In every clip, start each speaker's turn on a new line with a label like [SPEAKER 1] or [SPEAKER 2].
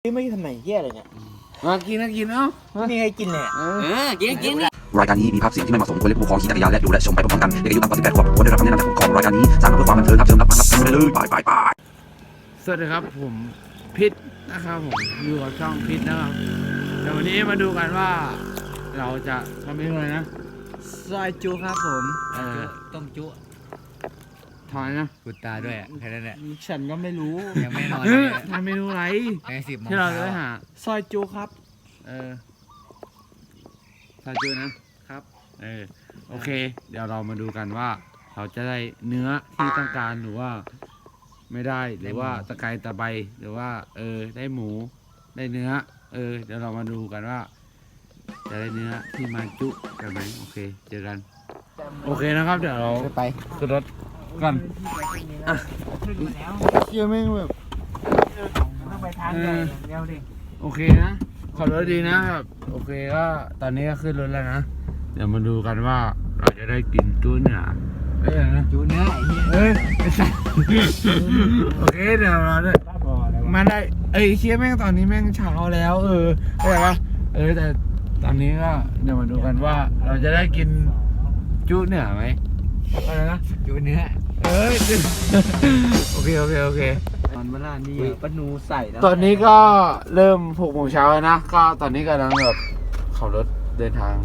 [SPEAKER 1] นี่ไม่ทำไหนเหี้ยอะไรเนี่ย
[SPEAKER 2] มากินนะกินเนาะ
[SPEAKER 1] นี่ให้กินเลย
[SPEAKER 3] กินรายการนี้มีภาพเสียงที่ไม่เหมาะสมควรเล่นผู้ปกครองขี่จักรยานและดูและชมไปพร้อมๆกันเด็กอายุต่ำกว่า18 ขวบควรได้รับคำแนะนำจากผู้ปกครองรายการนี้สร้างมาเพื่อความบันเทิงครับเชิญรับฟังรับชมได้เลยไป
[SPEAKER 2] สวัสดีครับผมพิษนะครับผมอยู่กับช่องพิษนะครับเดี๋ยววันนี้มาดูกันว่าเราจะทำเมนูอะไรนะ
[SPEAKER 1] ซอยจุครับผม
[SPEAKER 3] ต้มจุ
[SPEAKER 2] ถอนนะ
[SPEAKER 3] กุดตาด้วยแค่นั้นแหละ
[SPEAKER 1] ฉันก็ไม่รู้
[SPEAKER 3] ยังไม่นอน
[SPEAKER 2] ทำเมนูอะไร
[SPEAKER 3] ที่
[SPEAKER 2] เราจะได้หา
[SPEAKER 1] ซอยจุครับ
[SPEAKER 2] ซอยจุนะครับโอเคเดี๋ยวเรามาดูกันว่าเราจะได้เนื้อที่ต้องการหรือว่าไม่ได้หรือว่าตะไคร้ตะไบหรือว่าได้หมูได้เนื้อเดี๋ยวเรามาดูกันว่าจะได้เนื้อที่มาจุกันไหมโอเคเจอกันโอเคนะครับเดี๋ยวเรา
[SPEAKER 1] ไป
[SPEAKER 2] ขึ้นรถกันเชี่ยแม่งแบบ
[SPEAKER 1] ต้องไปทางใหญ่เร็วดิ
[SPEAKER 2] โอเคนะขับรถดีนะครับโอเคก็ตอนนี้ก็ขึ้นรถแล้วนะเดี๋ยวมาดูกันว่าเราจะได้กินจุเนื้อ
[SPEAKER 1] จุเนื้อ
[SPEAKER 2] ไม่ใช่โอเคเดี๋ยวเราได้มาได้เชี่ยแม่งตอนนี้แม่งเช้าแล้วเข้าใจปะแต่ตอนนี้ก็เดี๋ยวมาดูกันว่าเราจะได้กินจุเนื้อไหมอะไรนะ
[SPEAKER 1] จุเนื้อ
[SPEAKER 2] โอเค
[SPEAKER 1] ตอนเวลานี้ปนูใส่แล้ว
[SPEAKER 2] ตอนนี้ก็เริ่ม6 โมงเช้าแล้วนะก็ตอนนี้กำลังแบบขับรถเดินทาง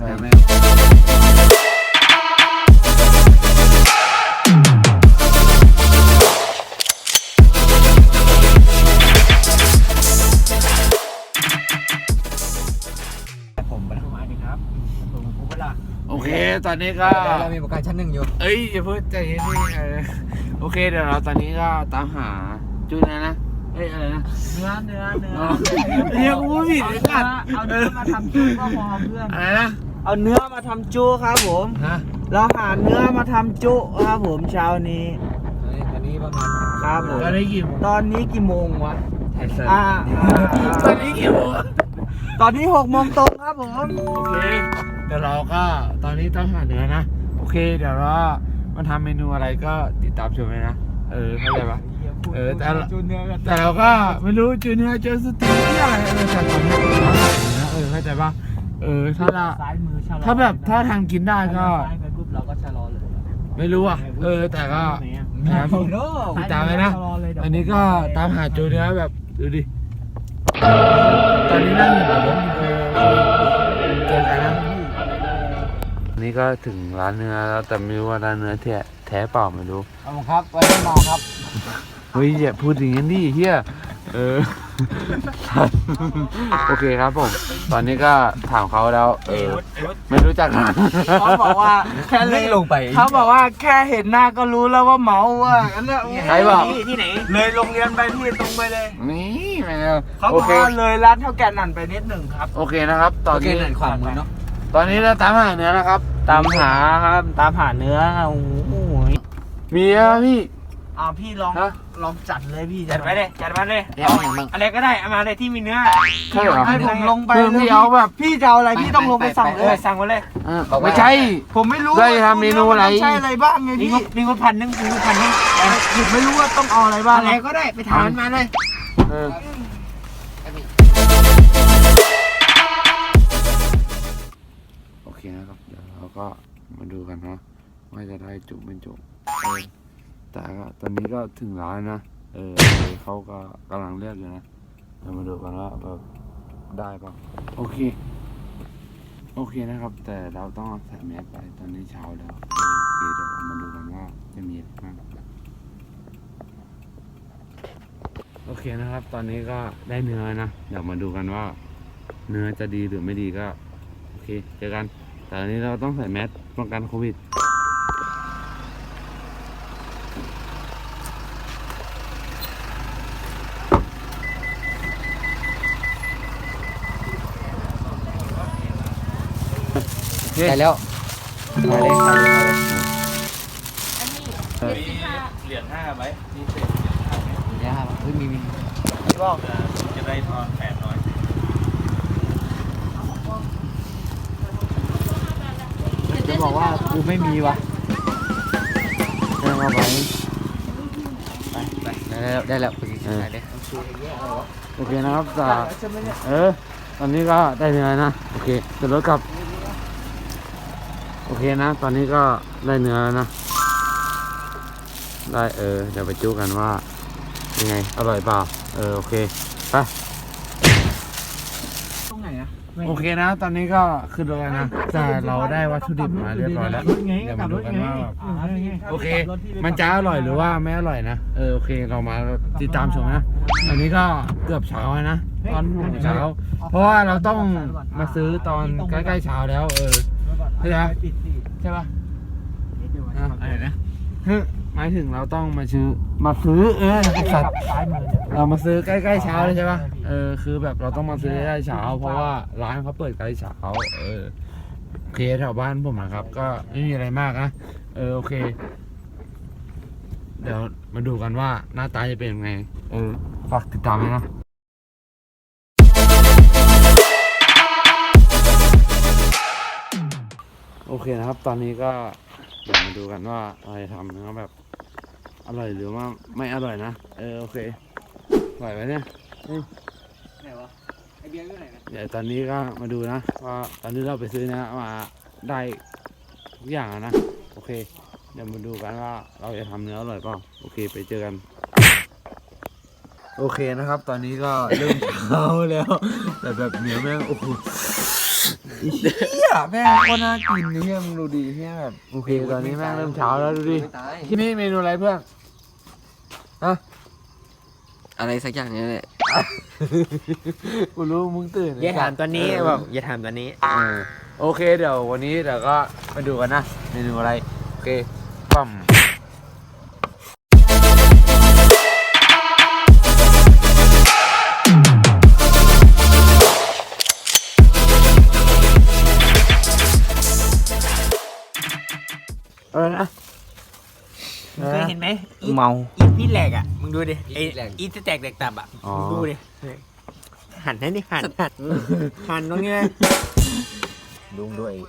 [SPEAKER 2] โอเคตอนนี้ก็
[SPEAKER 1] เรามีประกันชั้น 1อยู่
[SPEAKER 2] อย่าเพิ่งใจเย็นดิโอเคเดี๋ยวเราตอนนี้ก็ตามหาจุนะอะไรนะ
[SPEAKER 1] เนื้อ
[SPEAKER 2] เรียกว่าผิดเลยกัน
[SPEAKER 1] เอาเนื้อมาทำจุก็พอเพื่อน
[SPEAKER 2] อะไรนะ
[SPEAKER 1] เอาเนื้อมาทำจุครับผมเราหาเนื้อมาทำจุครับผมเช้านี้
[SPEAKER 3] ตอนนี้ประมาณ
[SPEAKER 1] ครับผม
[SPEAKER 2] ตอนนี้
[SPEAKER 1] กี่โมงวะ
[SPEAKER 2] ตอนนี้กี่โมง
[SPEAKER 1] ตอนนี้6 โมงตรงครับผม
[SPEAKER 2] โอเคเดี๋ยวเราก็ตอนนี้ต้องหาเนื้อนะโอเคเดี๋ยวเรามาทำเมนูอะไรก็ติดตามชมเลยนะเข้าใจปะแต่เราก็ไม่รู้จูเนื้อเจอสติที่อะไรแต่ตอนนี้เข้าใจปะถ้าแบบถ้าทางกินได้ก็
[SPEAKER 1] เราก็ชะลอเลย
[SPEAKER 2] ไม่รู้อ่ะแต่ก็ติดตามเลยนะอันนี้ก็ตามหาจูเนื้อแบบดูดิตอนนี้นั่งอยู่แบบเจอกันนะนี่ก็ถึงร้านเนื้อแล้วแต่ไม่รู้ว่าร้านเนื้อแท้เปล่าไม่รู้
[SPEAKER 1] ครับไว้รอครับ
[SPEAKER 2] เฮ้ยอย่าพูดอย่างนั้นดิเฮียโอเคครับผมตอนนี้ก็ถามเขาแล้วไม่รู้จัก
[SPEAKER 1] เขาบอกว่าแค่เลย
[SPEAKER 3] ลงไป
[SPEAKER 1] เขาบอกว่าแค่เห็นหน้าก็รู้แล้วว่าเมาอ่ะงั้นน่ะ
[SPEAKER 2] ใครบอก
[SPEAKER 1] ที่ไหนเลยโรงเรียนไปที่ตรงไปเลย
[SPEAKER 2] นี่ไม่
[SPEAKER 1] เขาบอกว่าเลยร้านเท่าแก่นั่นไปนิดหนึ่งครับ
[SPEAKER 2] โอเคนะครับตอนนี้
[SPEAKER 3] ความมือเนาะ
[SPEAKER 2] ตอนนี้เราตามหาเนื้อนะครับ
[SPEAKER 1] ตามหาเนื้อโอ้โห
[SPEAKER 2] มีอะพี่
[SPEAKER 1] พี่ลองจัดเลยพี่จัดมาเลยอะไรก็ได้เอามาเลยที่มีเนื้อให้ผมลงไป
[SPEAKER 2] พี่เอาแบบ
[SPEAKER 1] พี่จะเอาอะไรพี่ต้องลงไปสั่งเลยสั่งมาเลย
[SPEAKER 2] ไม่ใช่
[SPEAKER 1] ผมไม่รู้
[SPEAKER 2] ได้ทำเมนูอะไร
[SPEAKER 1] ใช่อะไรบ้างไงพี่มีคนพันนึงผมไม่รู้ว่าต้องเอาอะไรบ้าง
[SPEAKER 3] อะไรก็ได้ไปถามมาเลย
[SPEAKER 2] โอเคนะครับเดี๋ยวเราก็มาดูกันนะว่าจะได้จุเป็นจุแต่ก็ตอนนี้ก็ถึงร้านนะเขาก็กำลังเลือกอยู่นะเรามาดูกันว่าแบบได้ป่ะโอเคนะครับแต่เราต้องใส่แมสไปตอนนี้เช้าแล้วโอเคเดี๋ยวมาดูกันว่าจะมีอะไรบ้างโอเคนะครับตอนนี้ก็ได้เนื้อนะเดี๋ยวมาดูกันว่าเนื้อจะดีหรือไม่ดีก็โอเคเจอกันแต่ตอนนี้เราต้องใส่แมสป้องกันโควิด
[SPEAKER 3] ได้แล้ว
[SPEAKER 1] มาเลย
[SPEAKER 4] เหรียญ5ไหมมีเศษ
[SPEAKER 3] เหรียญ5มี
[SPEAKER 1] บอก
[SPEAKER 4] จะได้ทอน800
[SPEAKER 1] จะบอกว่ากูไม่มีวะ
[SPEAKER 2] เอาไป
[SPEAKER 3] ได้แล้วไปกินอะไรเนี่ย
[SPEAKER 2] โอเคนะครับแต่ตอนนี้ก็ได้เนื้อนะโอเคจะรถกลับโอเคนะตอนนี้ก็ได้เนื้อแล้วนะได้เดี๋ยวไปจู้กันว่ายังไงอร่อยเปล่าโอเคไป
[SPEAKER 1] ตรงไหนอะ
[SPEAKER 2] โอเคนะตอนนี้ก็ขึ้นรถแล้วนะแต่เราได้วัตถุดิบมาเรียบร้อยแล้วเดี๋ยวมาดูกันว่าแบบโอเค มันจะอร่อยหรือว่าไม่อร่อยนะโอเคเรามาติดตามชมนะอันนี้ก็เกือบเช้าแล้วนะตอนเช้าเพราะว่าเราต้องมาซื้อตอนใกล้ๆเช้าแล้วใช่ไหมใช่ปะอะไรนะหมายถึงเราต้องมาซื้อสัตว์เรามาซื้อใกล้ๆเช้าเลยใช่ปะคือแบบเราต้องมาซื้อใกล้ๆเช้าเพราะว่าร้านเขาเปิดใกล้เช้าโอเคแถวบ้านผมนะครับก็ไม่มีอะไรมากนะโอเคเดี๋ยวมาดูกันว่าหน้าตาจะเป็นยังไงฝากติดตามด้วยนะโอเคนะครับตอนนี้ก็เดี๋ยวมาดูกันว่าเราจะทำนะครับแบบอร่อยหรือว่าไม่อร่อยนะโอเคไหวไหมเนี่ย
[SPEAKER 1] ไหนวะไอเบียร์อยู่ไหนนะ
[SPEAKER 2] เดี๋ยวตอนนี้ก็มาดูนะว่าตอนนี้เราไปซื้อนะมาได้ทุกอย่างนะโอเคเดี๋ยวมาดูกันว่าเราจะทำเนื้ออร่อยเปล่าโอเคไปเจอกันโอเคนะครับตอนนี้ก็เริ่มเช้าแล้วแต่แบบเนื้อแม่งโอ้โหเฮียแม่งก็น่ากินเฮียมึงดูดีเฮียแบบโอเคตอนนี้แม่งเริ่มเช้าแล้วดูดิที่นี่เมนูอะไรเพื่อน
[SPEAKER 5] อะไรสักอย่างนี้แหละ
[SPEAKER 2] กูรู้มึงตื่น
[SPEAKER 1] อย่าถามตอนนี้บอกอย่าถามตอนนี้
[SPEAKER 2] โอเคเดี๋ยววันนี้เดี๋ยวก็มาดูกันนะเมนูอะไรโอเคปั๊มนะ
[SPEAKER 1] เคยเห็นไหม
[SPEAKER 5] เมา
[SPEAKER 1] อีพี่แหลกอ่ะมึงดูดิอีจะแตกแตกตับอ่ะมึงดูดิหันให้ดิหันตรงนี้เลยลุงด้วย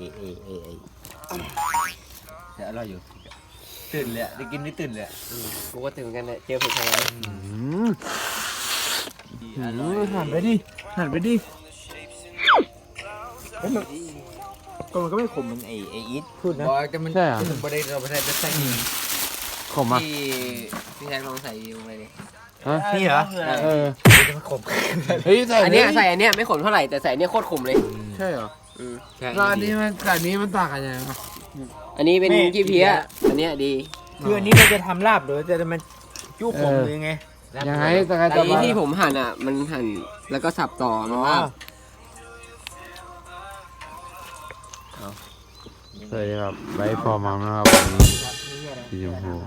[SPEAKER 5] เดี๋ยวอร่อยอยู่ตื่นเลยได้กินไม่ตื่นเลยกูก็ตื่นเหมือนกันเลยเจอผัดไทย
[SPEAKER 2] หันไปดิ
[SPEAKER 1] ก็มันก็ไม่ขมเหมือนไออีทพูดนะ
[SPEAKER 5] บอกแต่มัน
[SPEAKER 2] ใช่เหรอ
[SPEAKER 5] ถึงประเด็นเราประเด็นจะใส่
[SPEAKER 2] ขมอ่ะ
[SPEAKER 5] ที่แท็กลองใส่ลงไปดิ
[SPEAKER 2] ฮะ
[SPEAKER 1] นี่เหรอ
[SPEAKER 5] จะมาขม
[SPEAKER 2] เฮ้ยใส่
[SPEAKER 5] อันเนี้ยใส่อันเนี้ยไม่ขมเท่าไหร่แต่ใส่อันเนี้ยโคตรขมเลย
[SPEAKER 2] ใช่เหรอ
[SPEAKER 5] ใช่
[SPEAKER 2] แล้วอันนี้มันกับอันนี้มันต่างกันยังไงวะ
[SPEAKER 5] อันนี้เป็นขี้เพี้ยอันเนี้ยดี
[SPEAKER 1] คืออันนี้เราจะทำลาบหรือจะมันจุ้ขมหรือไง
[SPEAKER 2] ยังไงแต่
[SPEAKER 5] แต่อันนี้ที่ผมหั่นอ่ะมันหั่นแล้วก็สับต่อมันว่า
[SPEAKER 2] สวัสดีครับไบฟอร์มัมนะครับวันนี้สีชมพู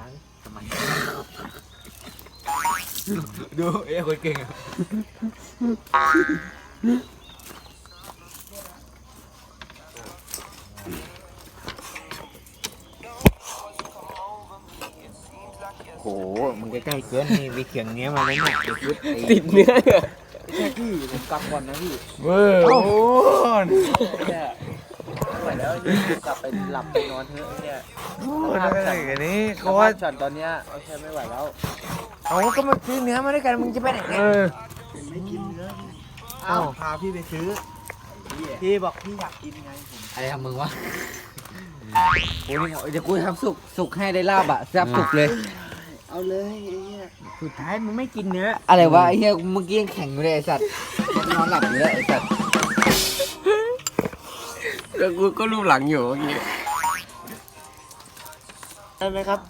[SPEAKER 1] ดูคนเก่งอ่ะโหมึงใกล้ๆเกินนี่ไปเขียงเนี้ยมาเลยเนี่ย
[SPEAKER 5] ติดเนื้อ
[SPEAKER 1] แค่พี่ผมกลับก่อนนะพี่
[SPEAKER 2] เว้ยโอ้โห
[SPEAKER 1] ไปแล้วกลับไปหลับไปนอนเถอะเนี่ย
[SPEAKER 2] อะไรกันนี้
[SPEAKER 1] ก็ว่าช็อตตอนเนี้ยโอเคไม่ไหวแล้วเอาก็มาซื้อเนื้อมาด้วยกันมึงจะไปไหนเนี่ยไม่กินเนื้ออ้าวพาพี่ไปซื้อพี่บอกพี่อยากกินไงผม
[SPEAKER 5] อะไรทำมึงวะโอ้ยเดี๋ยวกูทำสุกให้ได้ลาบอ่ะแซ่บสุกเลย
[SPEAKER 1] เอาเลยไอ้เหี้ยสุดท้ายมึงไม่กินเนื้อ
[SPEAKER 5] อะไรวะไอ้เหี้ยเมื่อกี้ยังแข็งอยู่เลยไอ้สัตว์นอนหลับอยู่เลยไอ้สัตว์แล้วกูก็รูปหลังอยู่เมื่อกี้
[SPEAKER 1] ได้ไหมครับ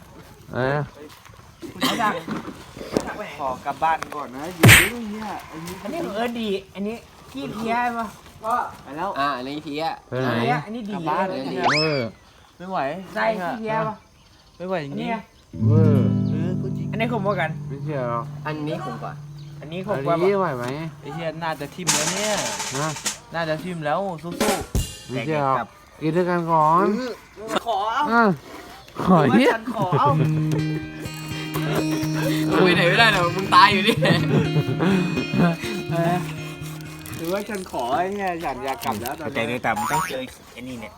[SPEAKER 1] ขอกลับบ้านก่อนนะอยู่ด้วยเนี่ยอันนี้ของเอิร์ดดีอันนี้ขี้เพี้ยป่ะก็ไปแล้ว
[SPEAKER 5] อันนี้เพี้ย
[SPEAKER 2] ไปไหน
[SPEAKER 1] อันนี้ดี
[SPEAKER 5] บ้านเลย
[SPEAKER 2] เวอร์
[SPEAKER 1] ไม่ไหวใส่ขี้เพี้ยป่ะไม่ไหวจริง
[SPEAKER 2] เวอร์
[SPEAKER 1] อันนี้ขมกว่ากัน
[SPEAKER 2] ไม่เชื่อหรอก
[SPEAKER 5] อันนี้ผมก่อน
[SPEAKER 1] อันนี้ข
[SPEAKER 2] อั
[SPEAKER 1] ม
[SPEAKER 2] น
[SPEAKER 1] กว่า
[SPEAKER 2] นี้ไหวไหม
[SPEAKER 1] ไอ้เหี้ยน่าจะทิ่มแล้วเนี่ย
[SPEAKER 2] นะ
[SPEAKER 1] น่าจะทิ่มแล้วสู้
[SPEAKER 2] ไม่เชื่อหรอกกินด้วยกันก่อน
[SPEAKER 1] ๆขอเอา
[SPEAKER 2] ขอเฮีย
[SPEAKER 1] ฉันขอเอา
[SPEAKER 5] คุยไหนไม่ได้หรอกมึงตายอยู่นี่
[SPEAKER 1] หรือว่าฉันขอไอ้เนี่ยฉันอยากกลับแล้วตอนใจเลยแต่มันต้องเจอไอ้นี่เนี่ย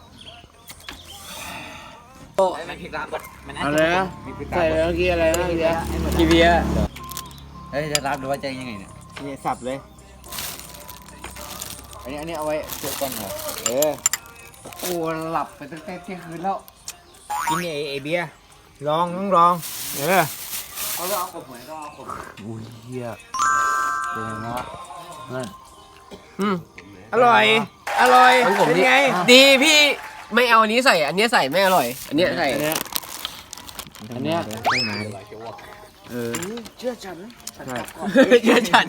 [SPEAKER 5] มันผิดร้านก่อนมัน
[SPEAKER 2] อะไรนะใส่เมื่อกี้อะไรนะเมื่อกี้
[SPEAKER 5] ขี้เพี้ยเฮ้ยจะรับดูว่าใจยังไงเนี่ย
[SPEAKER 1] นี่สับเลยอันนี้เอาไว้เจอกันเหรอโอ้หลับไปตั้งแต่เที่ยงคืนแล้วกินไอเบียร์ลองต้องลองเขาจะเอาขบเหมือนก็เอาขบอุ้ยเหี้ยเป็นไงวะนั่นอร่อยเป็นไง
[SPEAKER 5] ดีพี่ไม่เอาอันนี้ใส่อันนี้ใส่ไม่อร่อยอันนี้ใส่
[SPEAKER 2] อันเนี้ย
[SPEAKER 1] เชื่อฉัน
[SPEAKER 5] เยอะจัน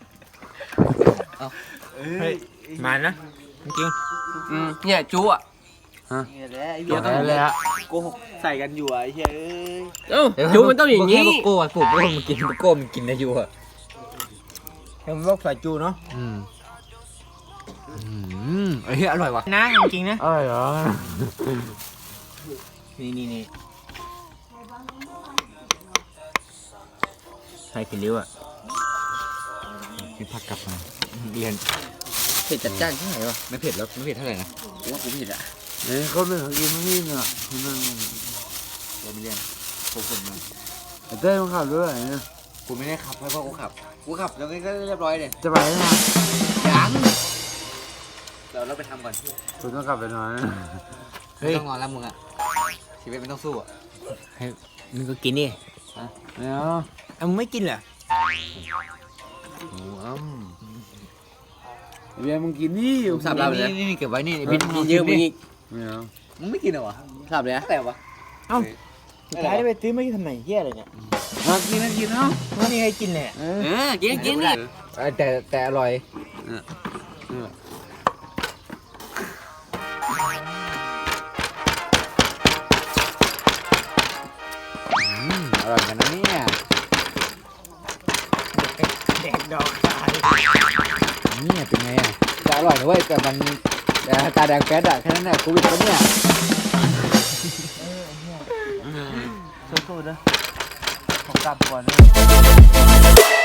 [SPEAKER 1] มานะจริง
[SPEAKER 5] เนี่ยจุ๊อ่ะ
[SPEAKER 1] นี่แหละไอ้
[SPEAKER 2] เดี๋
[SPEAKER 1] เหี้
[SPEAKER 2] ย
[SPEAKER 1] ยว
[SPEAKER 2] เลยฮะ
[SPEAKER 1] โกหกใส่กันอยู่อ่ะไอ้เหี้ย
[SPEAKER 5] จุ๊มันต้องอย่างนี้
[SPEAKER 1] โก้ปลูกโก้มันกินโก้มันกินได้อยู่อ่ะเห็นว่าใส่จูเนาะไอ้เหี้ยอร่อยว่ะนะจริงๆนะ
[SPEAKER 2] อะไรเหรอ
[SPEAKER 1] นี่ใส่ผิดริ้วอ่ะพี่พักกลับมาเรียน
[SPEAKER 5] เผ็ดจัดจ้านใช่ไหมวะ
[SPEAKER 1] ไม่เผ็ดแล้วไม่เผ็ดเท่าไหร่นะ
[SPEAKER 5] ว่ากูผิดอ่ะ
[SPEAKER 2] เนี่ยเขาเป็นของกินไม่พี่เนี่ยเขานั่ง
[SPEAKER 1] เราไม่เรียนผมมา
[SPEAKER 2] เต้มันขับด้วยเนี่ย
[SPEAKER 1] กูไม่ได้ขับให้พ่อกูขับแล้วก็เรียบร้อยเลย
[SPEAKER 2] จะไปไหน
[SPEAKER 1] ยังเราไปทำก่อน
[SPEAKER 2] คุณต้องกลับไปนอนนะ
[SPEAKER 1] ไม่ต้องนอนแล้วมึงอ่ะชีวิตไม่ต้องสู้อ่ะให้มึงก็กินดิ
[SPEAKER 2] ไม่เอา
[SPEAKER 1] มึงไม่กินเหรอ
[SPEAKER 2] เบียร์มึงกินนี่
[SPEAKER 5] สับเราเลย
[SPEAKER 1] นี่เก็บไว้นี่
[SPEAKER 5] บินเยอะมึงอีก
[SPEAKER 2] ไม่เอา
[SPEAKER 1] มึงไม่กินเหรอวะ
[SPEAKER 5] สับเลยนะ
[SPEAKER 1] แต่วะสุดท้ายไปซื้อไม่ทำไหนเหี้ยอะไรเนี่ย
[SPEAKER 2] มากินนะกินเนาะ
[SPEAKER 1] ว่านี่ให้กินแหละ
[SPEAKER 5] กินนี่
[SPEAKER 1] แต่อร่อยอร่อยกันนะเนี่ยแดกดอกตายนี่เป็นไงอ่ะจะอร่อยนะเว้ยแต่มันตาแดงแป๊ดอ่ะแค่นั้นแหละโควิดปะเนี่ยสู้ๆนะผมกลับก่อนนะ